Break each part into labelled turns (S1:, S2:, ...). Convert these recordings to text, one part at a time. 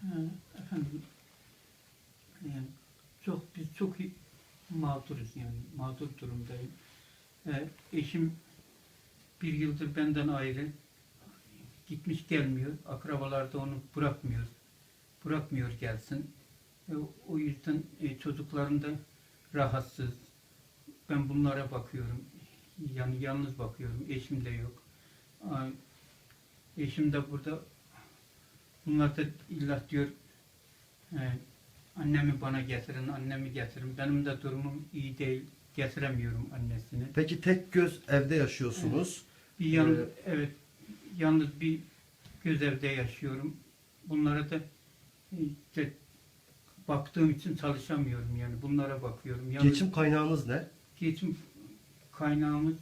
S1: Efendim, yani biz çok mağduruz, yani mağdur durumdayım. Eşim bir yıldır benden ayrı, gitmiş gelmiyor. Akrabalar da onu bırakmıyor gelsin. O yüzden çocuklarım da rahatsız. Ben bunlara bakıyorum. Yani yalnız bakıyorum. Eşim de yok. Eşim de burada. Bunlar da illa diyor, annemi bana getirin, annemi getirin. Benim de durumum iyi değil. Getiremiyorum annesini.
S2: Peki tek göz evde yaşıyorsunuz.
S1: Evet, yalnız bir göz evde yaşıyorum. Bunlara da işte baktığım için çalışamıyorum, yani bunlara bakıyorum. Yalnız
S2: Geçim kaynağınız ne?
S1: geçim kaynağımız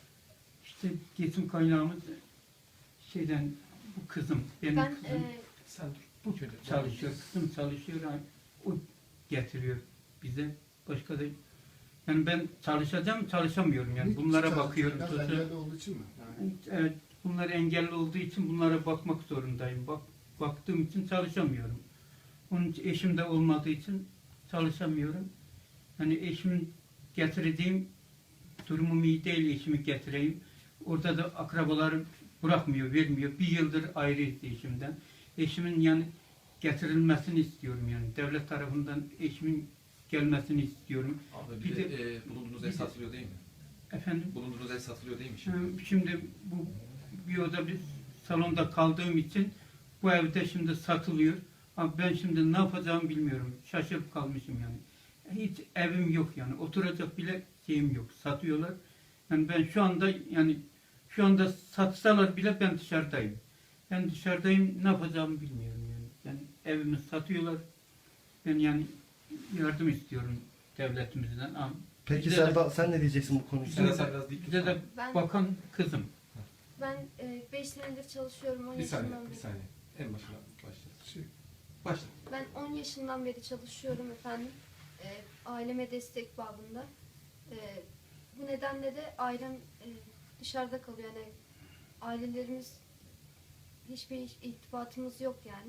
S1: şeyden, bu kızım, benim kızım.
S3: Sen dur.
S1: Bu çalışıyor, kızım çalışıyor, o getiriyor bize. Başka da, yani ben çalışamıyorum, yani bunlara bakıyorum.
S3: Engelli olduğu için mi? Yani...
S1: Evet, bunlar engelli olduğu için bunlara bakmak zorundayım. Baktığım için çalışamıyorum. Onun için, eşim de olmadığı için çalışamıyorum. Hani eşimin getirdiğim, durumum iyi değil, eşimi getireyim. Orada da akrabalarım bırakmıyor, vermiyor. Bir yıldır ayrıyız eşimden. Eşimin yani getirilmesini istiyorum, yani devlet tarafından eşimin gelmesini istiyorum.
S4: Abi
S1: Bir
S4: bulunduğunuz ev satılıyor değil mi?
S1: Efendim?
S4: Bulunduğunuz ev satılıyor değil mi şimdi?
S1: Şimdi bu bir oda bir salonda kaldığım için bu evde şimdi satılıyor. Ama ben şimdi ne yapacağımı bilmiyorum. Şaşırıp kalmışım yani. Hiç evim yok yani. Oturacak bile şeyim yok. Satıyorlar. Yani ben şu anda satsalar bile ben dışarıdayım. Ben dışarıdayım, ne yapacağımı bilmiyorum yani. Yani evimi satıyorlar. Ben yani yardım istiyorum devletimizden. Ama
S2: Peki
S1: bize
S2: sen ne diyeceksin bu konuda?
S1: bize de bakan kızım.
S5: Ben 5 senedir çalışıyorum. 10
S4: Bir saniye,
S5: yaşından
S4: bir
S5: beri.
S4: saniye. En başına başlayalım. Başla.
S5: Ben 10 yaşından beri çalışıyorum efendim. Aileme destek babında. Bu nedenle de ailem dışarıda kalıyor. Yani ailelerimiz, hiçbir irtibatımız yok yani.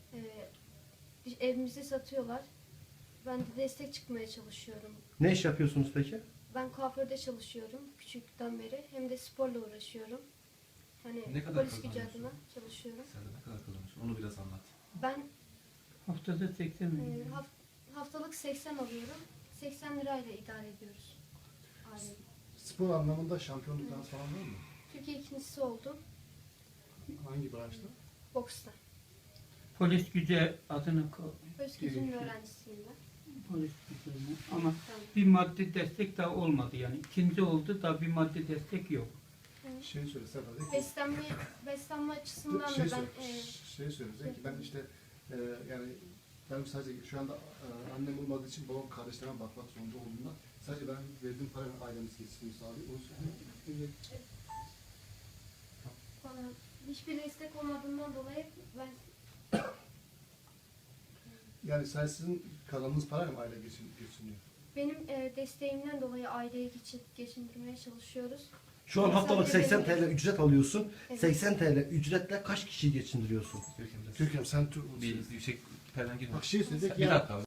S5: Evimizi satıyorlar. Ben de destek çıkmaya çalışıyorum.
S2: Ne iş yapıyorsunuz peki?
S5: Ben kuaförde çalışıyorum küçükten beri. Hem de sporla uğraşıyorum. Hani
S4: Ne kadar
S5: polis gücü
S4: kazanıyorsun?
S5: adına çalışıyorum.
S4: Sen de ne kadar kazanıyorsun? Onu biraz anlat.
S5: Ben
S1: Haftada 80 milyon.
S5: haftalık 80 alıyorum. 80 lirayla idare ediyoruz ailemi.
S3: Spor anlamında şampiyonluklar falan var mı?
S5: Türkiye ikincisi oldum.
S3: Hangi branşta?
S5: Boksta.
S1: Polis gücü adına
S5: Polis gücünün öğrencisiyim ben.
S1: polis gücü ama
S5: Tamam.
S1: bir maddi destek daha olmadı yani. İkinci oldu da bir maddi destek yok.
S3: Şey söyle Sefa de ki,
S5: Beslenme açısından
S3: şey,
S5: da ben
S3: şey söyleyecek ki ben işte yani ben sadece şu anda annem olmadığı için babam kardeşlerime bakmak zorunda olduğundan sadece ben verdiğim parayla ailemiz geçsin sağlıyor. Onu söyleyeyim.
S5: bana hiçbir destek olmadığından dolayı ben
S3: Yani sizin kazandığınız parayla mı aile geçiniyor?
S5: benim desteğimden dolayı aileyi geçindirmeye çalışıyoruz.
S2: Şu an haftalık 80 TL ücret alıyorsun.
S5: Evet.
S2: 80 TL ücretle kaç kişiyi geçindiriyorsun?
S3: Türkiye'm sen
S4: Bir yüksek perden girme.
S3: bak şey söyleyecek
S4: Bir
S3: ya.
S4: dakika abi.